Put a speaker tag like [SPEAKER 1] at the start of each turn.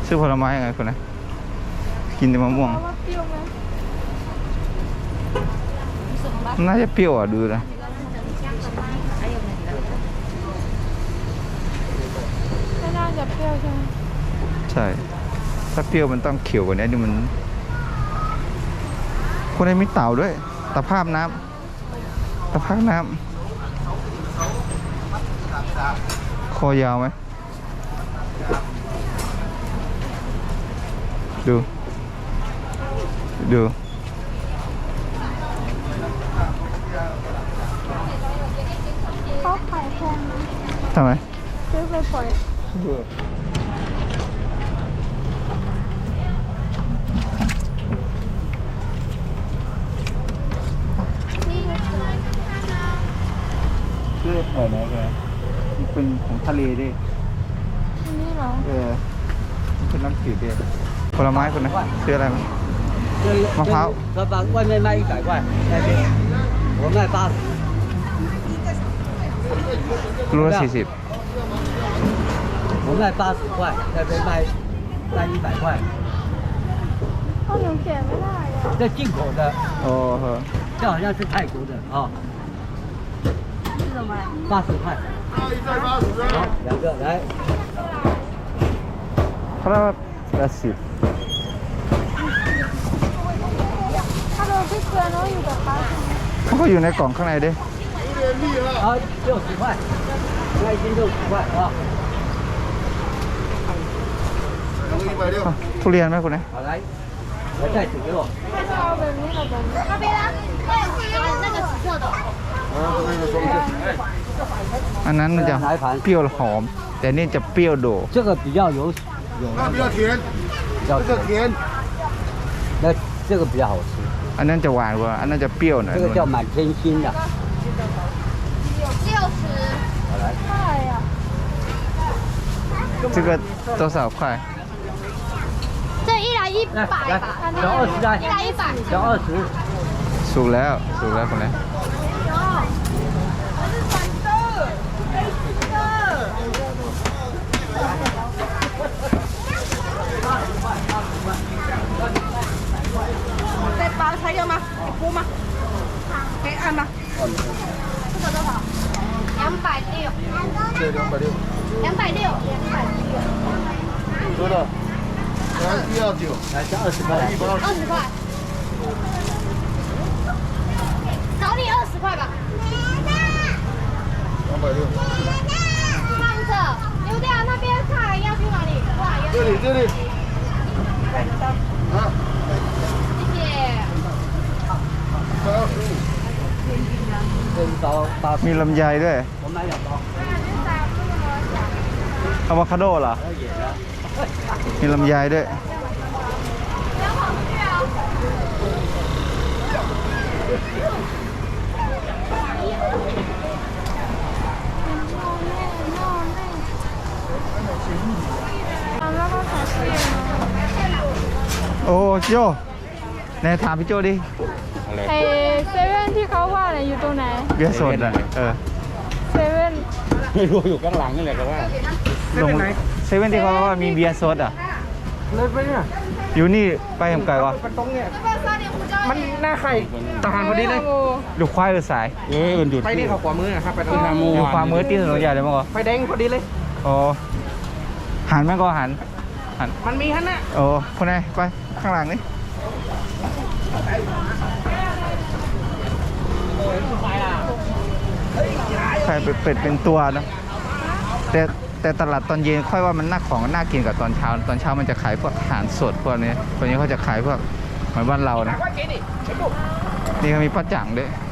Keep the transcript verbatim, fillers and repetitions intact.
[SPEAKER 1] ซื้อผลไม้ยังไงคนนะกินแต่มะม่วงน่าจะเปรี้ยวอ่ะดูนะ
[SPEAKER 2] ไม่น่าจะเปรี้ยวใช่ไหม
[SPEAKER 1] ใช่ถ้าเปรี้ยวมันต้องเขียวกว่านี้นี่มันคนนี้มีเต่าด้วยตะภาพน้ำตะภาพน้ำคอยาวไหมดูดู
[SPEAKER 2] เขาขายแพงไหม
[SPEAKER 1] ทำไม
[SPEAKER 2] ซื้อไปปล่อย
[SPEAKER 1] เลือดเปิดไหนแกเป็นของทะเลดิ
[SPEAKER 2] อันนี้เหรอ
[SPEAKER 1] เออเป็นน้ำจืดดิผลไม้คนนะซื้ออะไรมั้งมะพร้าว
[SPEAKER 3] 老板外面卖一百块那边我卖八十
[SPEAKER 1] รูละสี่สิบ
[SPEAKER 3] 我卖八十块那边卖卖一百块
[SPEAKER 2] ข้าวเหนียวแก่ไม่ได้อะ
[SPEAKER 3] 这进口的
[SPEAKER 1] โอ้โห
[SPEAKER 3] 这好像是泰国的啊
[SPEAKER 2] 是什么
[SPEAKER 3] 八十块好两个来
[SPEAKER 1] เพราะว่าแปดสิบ
[SPEAKER 2] ถ้าเราพริกเกลือเนาะอยู่กับป้าใช่ไหม
[SPEAKER 1] มันก็อยู่ในกล่องข้างในดิ
[SPEAKER 3] 好六十块那一斤六十块啊
[SPEAKER 1] ทุเรียนไหมคุณเนี่ย
[SPEAKER 3] 好来来袋子给我
[SPEAKER 2] เอาแบบนี้กับแบบนี้那边呢那个紫色的
[SPEAKER 1] อันนั้นมันจะเปรี้ยวหอมแต่นี่จะเปรี้ยวโดด
[SPEAKER 3] 这个比较有有
[SPEAKER 4] 那比较甜
[SPEAKER 3] 比较
[SPEAKER 4] 这甜
[SPEAKER 3] 那这个比较好吃
[SPEAKER 1] อันนั้นจะหวานกว่าอันนั้นจะเปรี้ยวหน่อย
[SPEAKER 3] 这个叫满天星的
[SPEAKER 2] 六十
[SPEAKER 3] 好来
[SPEAKER 2] เท่าไหร่อ่ะ
[SPEAKER 1] 这个多少块
[SPEAKER 2] 这一来一百吧
[SPEAKER 3] 小二十来
[SPEAKER 2] 一来一百
[SPEAKER 3] 小二十
[SPEAKER 1] สุกแล้วสุกแล้วคนนี้
[SPEAKER 2] 再包材料吗？给锅吗？可以按吗？这个多少？两百六。
[SPEAKER 4] 对两百六
[SPEAKER 2] 两百六。两百六。
[SPEAKER 4] 多少来一二九
[SPEAKER 3] 来这二十块
[SPEAKER 4] 一百二
[SPEAKER 2] 二十块。找你二十块吧。
[SPEAKER 4] 两百六
[SPEAKER 2] 放着，丢掉那边菜要去哪里？过来
[SPEAKER 4] 这里这里啊
[SPEAKER 2] 谢谢。
[SPEAKER 4] 一百二十五
[SPEAKER 3] 这一包八十
[SPEAKER 1] มีลำไยด้วย
[SPEAKER 3] 我买两包
[SPEAKER 1] อะโวคาโดเหรอ
[SPEAKER 3] 还有野的
[SPEAKER 1] มีลำไยด้วยโอ้โจไหนถามพี่โจดิ
[SPEAKER 2] เอเซเว่นที่เขาว่าเนี่ยอยู่ตรงไหน
[SPEAKER 1] เบียร์สดอ่ะเออ
[SPEAKER 2] เซเว่น
[SPEAKER 3] ไม่รู้อยู่ข้างหลังนี่แหละแต่ว่า
[SPEAKER 1] ลงเซเว่นที่เขาว่ามีเบียร์สดอ่ะ
[SPEAKER 3] เลยไปเนี่ย
[SPEAKER 1] อยู่นี่ไปทำไกลวะ
[SPEAKER 3] มันตรงเนี่ยมันหน้าไข่ทหารพอดีเลย
[SPEAKER 1] ดูควายหรือสาย
[SPEAKER 3] เออมันหยุดไปนี่เขาขวามือครับไปตรงทางมู
[SPEAKER 1] อยู่ความมือตีถนนใหญ่เลยมั้งก็
[SPEAKER 3] ไฟแดงพอดีเลย
[SPEAKER 1] อ๋อหันมั้งก็หันหัน
[SPEAKER 3] มันมีฮันน่ะ
[SPEAKER 1] โอ้คนไหนไปข้างหลังนี่ไข่เป็ดเป็นตัวนะแต่แต่ตลาดตอนเย็นค่อยว่ามันน่าของน่ากินกับตอนเช้าตอนเช้ามันจะขายพวกอาหารสดพวกนี้ตอนนี้เขาจะขายพวกเหมือนบ้านเรานะนี่เขามีป้าจังด้วย